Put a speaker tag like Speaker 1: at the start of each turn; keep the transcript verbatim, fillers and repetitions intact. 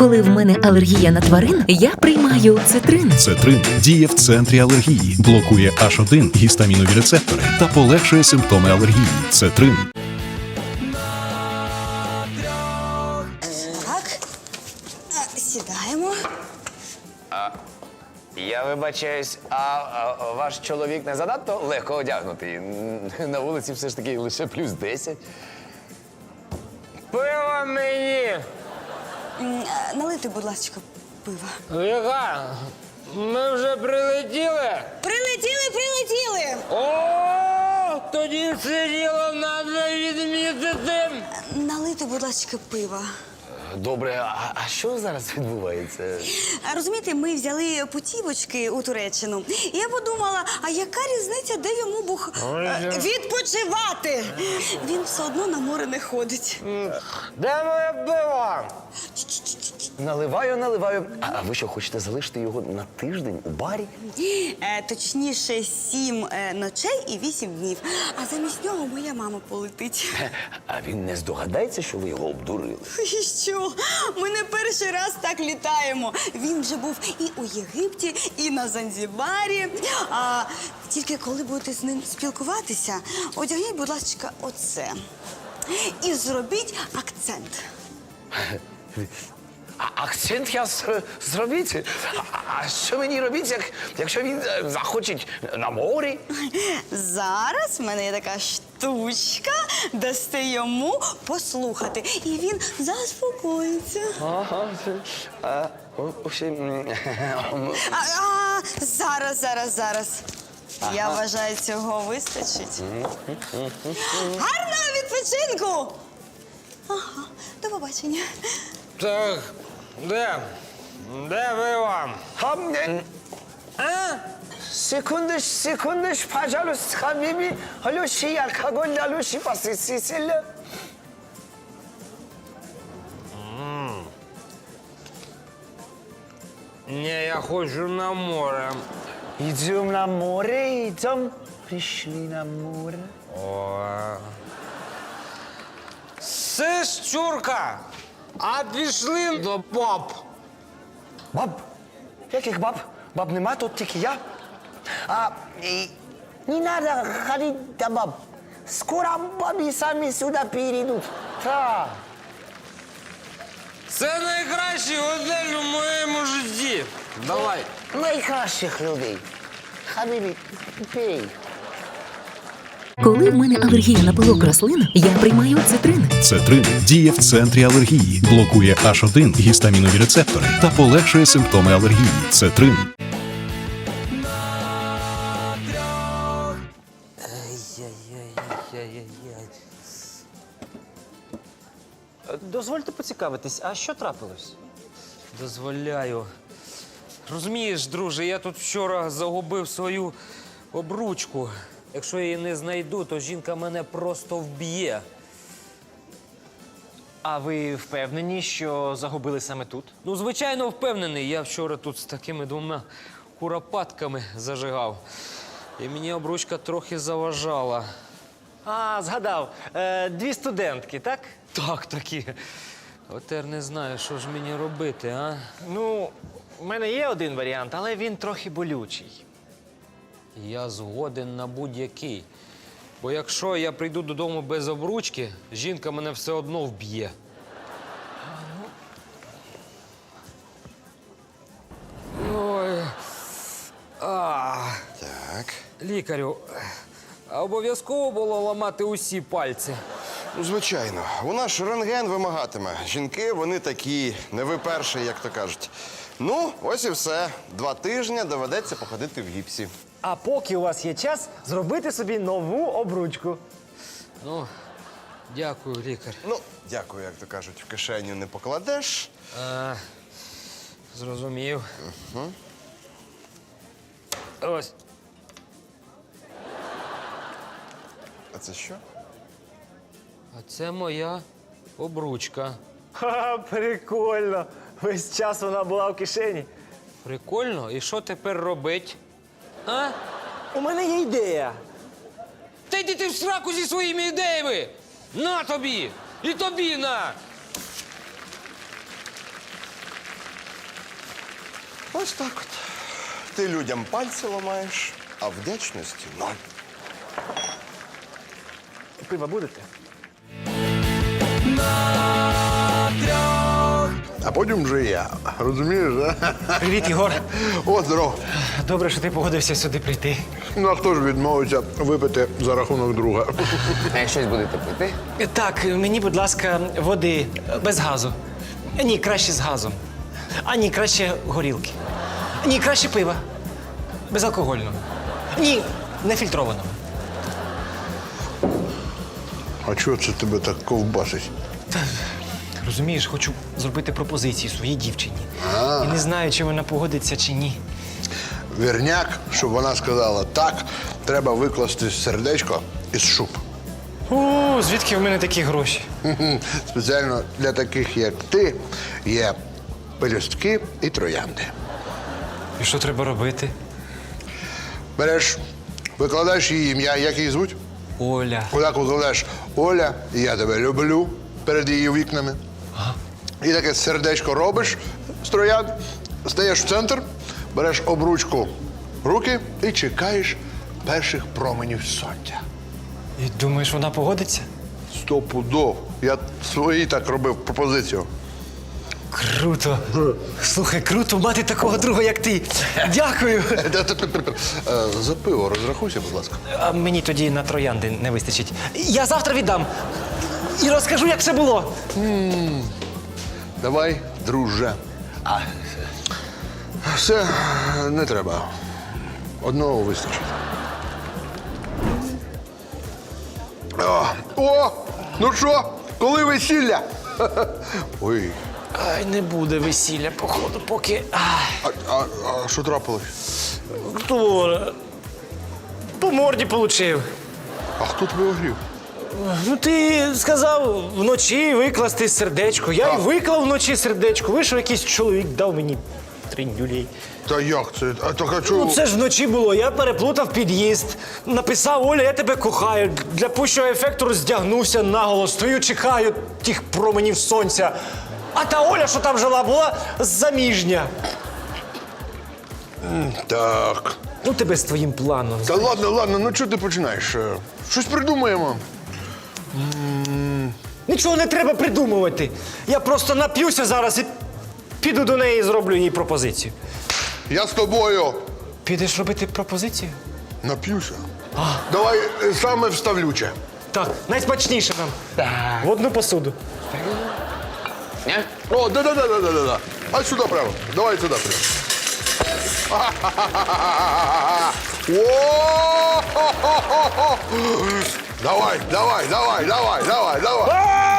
Speaker 1: Коли в мене алергія на тварин, я приймаю цитрин.
Speaker 2: Цетрин діє в центрі алергії, блокує аш один гістамінові рецептори та полегшує симптоми алергії. Цетрин.
Speaker 3: Так, а, сідаємо.
Speaker 4: Я вибачаюсь, а, а ваш чоловік не занадто легко одягнутий? На вулиці все ж таки лише плюс десять.
Speaker 5: Пиво мені!
Speaker 3: М, а, Налити, будь ласка, пива.
Speaker 5: Яка? Ми вже прилетіли?
Speaker 3: Прилетіли, прилетіли!
Speaker 5: О, тоді це діло треба відмітити.
Speaker 3: Налити, будь ласка, пива.
Speaker 4: Добре, а, а що зараз відбувається?
Speaker 3: А, Розумієте, ми взяли путівочки у Туреччину. І я подумала, а яка різниця, де йому бух е, відпочивати? Він все одно на море не ходить.
Speaker 5: Де моє пиво?
Speaker 4: Наливаю, наливаю. А, а ви що, хочете залишити його на тиждень у барі?
Speaker 3: Е, точніше, сім е, ночей і вісім днів. А замість нього моя мама полетить.
Speaker 4: А він не здогадається, що ви його обдурили?
Speaker 3: І що? Ми не перший раз так літаємо. Він вже був і у Єгипті, і на Занзібарі. А тільки коли будете з ним спілкуватися, одягніть, будь ласка, оце. І зробіть акцент.
Speaker 4: А акцент я з- зробіть? А, а що мені робити, як, якщо він е, захоче на морі?
Speaker 3: Зараз в мене є така штучка, дасте йому послухати. І він заспокоїться.
Speaker 4: Ага. А, о, о, ще, м,
Speaker 3: А, а, зараз, зараз, зараз. Я вважаю, цього вистачить. Гарного відпочинку! Ага, до побачення.
Speaker 5: Так, де? Де пиво?
Speaker 4: А, м,
Speaker 5: А?
Speaker 4: секундиш, секундиш, пожалуйста, хабібі. Алюші, алкоголь, алюші, посисіля.
Speaker 5: Ні, я хочу на море.
Speaker 4: Йдем на море, йдем. Прийшли на море.
Speaker 5: О. Сиш, чурка, а пішли до баб.
Speaker 4: Баб? Яких баб? Баб нема, тут тільки я. А, і, не надо ходити до баб. Скоро бабі самі сюди перейдуть. Так.
Speaker 5: Це найкращий готель у моєму житті. Давай.
Speaker 4: Найкращих людей. Хабібі, пей.
Speaker 1: Коли в мене алергія на пилок рослин, я приймаю цитрин.
Speaker 2: Цетрин діє в центрі алергії, блокує аш один гістамінові рецептори та полегшує симптоми алергії. Цетрин.
Speaker 6: Дозвольте поцікавитись, а що трапилось?
Speaker 5: Дозволяю. Розумієш, друже, я тут вчора загубив свою обручку. Якщо я її не знайду, то жінка мене просто вб'є.
Speaker 6: А ви впевнені, що загубили саме тут?
Speaker 5: Ну, звичайно, впевнений. Я вчора тут з такими двома куропатками зажигав. І мені обручка трохи заважала.
Speaker 6: А, згадав. Е, дві студентки, так?
Speaker 5: Так, такі. От тепер не знаю, що ж мені робити, а?
Speaker 6: Ну, у мене є один варіант, але він трохи болючий.
Speaker 5: Я згоден на будь-який. Бо якщо я прийду додому без обручки, жінка мене все одно вб'є. Ой. А.
Speaker 7: Так.
Speaker 5: Лікарю, а обов'язково було ламати усі пальці.
Speaker 7: Ну, звичайно. У нас ж рентген вимагатиме. Жінки, вони такі, не ви перші, як то кажуть. Ну, ось і все. Два тижні доведеться походити в гіпсі.
Speaker 6: А поки у вас є час, зробити собі нову обручку.
Speaker 5: Ну, дякую, лікар.
Speaker 7: Ну, дякую, як то кажуть, в кишеню не покладеш.
Speaker 5: А, зрозумів. Угу. Ось.
Speaker 7: А це що?
Speaker 5: А це моя обручка.
Speaker 6: Ха, прикольно. Весь час вона була в кишені.
Speaker 5: Прикольно. І що тепер робить? А?
Speaker 6: У мене є ідея.
Speaker 5: Та йди ти в сраку зі своїми ідеями! На тобі! І тобі на!
Speaker 7: Ось так от. Ти людям пальці ламаєш, а вдячності ноль.
Speaker 6: Пива будете?
Speaker 8: А потім вже я. Розумієш, да?
Speaker 6: Привіт, Ігор.
Speaker 8: О, здоров.
Speaker 6: Добре, що ти погодився сюди прийти.
Speaker 8: Ну, а хто ж відмовиться випити за рахунок друга?
Speaker 4: А щось будете пити?
Speaker 6: Так, мені, будь ласка, води без газу. Ні, краще з газом. А ні, краще горілки. Ні, краще пива. Безалкогольного. Ні, нефільтрованого.
Speaker 8: А чого це тебе так ковбасить?
Speaker 6: Розумієш, хочу зробити пропозицію своїй дівчині. І не знаю, чи вона погодиться, чи ні.
Speaker 8: Вірняк, щоб вона сказала так, треба викласти сердечко із шуб.
Speaker 6: О, звідки в мене такі гроші?
Speaker 8: Хм-хм. Спеціально для таких, як ти, є пелюстки і троянди.
Speaker 6: І що треба робити?
Speaker 8: Береш, викладаєш її ім'я, як її звуть?
Speaker 6: Оля.
Speaker 8: Отак викладаєш Оля, я тебе люблю перед її вікнами. І таке сердечко робиш з троянд, стаєш в центр, береш обручку в руки і чекаєш перших променів сонця.
Speaker 6: І думаєш, вона погодиться?
Speaker 8: Стопудов. Я свої так робив пропозицію.
Speaker 6: Круто. Слухай, круто мати такого друга, як ти. Дякую.
Speaker 8: Е, За пиво розрахуйся, будь ласка.
Speaker 6: А мені тоді на троянди не вистачить. Я завтра віддам. І розкажу, як все було.
Speaker 8: Давай, друже. А. Все, не треба. Одного вистачить. О, о! Ну що, коли весілля? Ой,
Speaker 6: Ай, не буде весілля, походу, поки. Ай,
Speaker 8: а, а, а що трапилось?
Speaker 6: хто? По морді получив.
Speaker 8: А хто тебе огрів?
Speaker 6: Ну, ти сказав вночі викласти сердечко. Я й виклав вночі сердечко. Вийшов якийсь чоловік, дав мені тринь-дюлей.
Speaker 8: Та як це? А так а чого?
Speaker 6: Ну, це ж вночі було. Я переплутав під'їзд. Написав: Оля, я тебе кохаю. Для пущого ефекту роздягнувся наголо. Стою, чекаю тих променів сонця. А та Оля, що там жила, була заміжня.
Speaker 8: Так.
Speaker 6: Ну, тебе з твоїм планом.
Speaker 8: Та ладно, ладно, ну чого ти починаєш? Е, Щось придумаємо.
Speaker 6: Нічого не треба придумувати. Я просто нап'юся зараз і піду до неї і зроблю їй пропозицію.
Speaker 8: Я з тобою
Speaker 6: Підеш робити пропозицію?
Speaker 8: нап'юся. Давай е, саме вставлюче.
Speaker 6: Так, найсмачніше нам. В одну посуду.
Speaker 8: О, да-да-да-да-да-да. А сюди прямо. Давай сюди прямо. О! Давай, давай, давай, давай, давай, давай.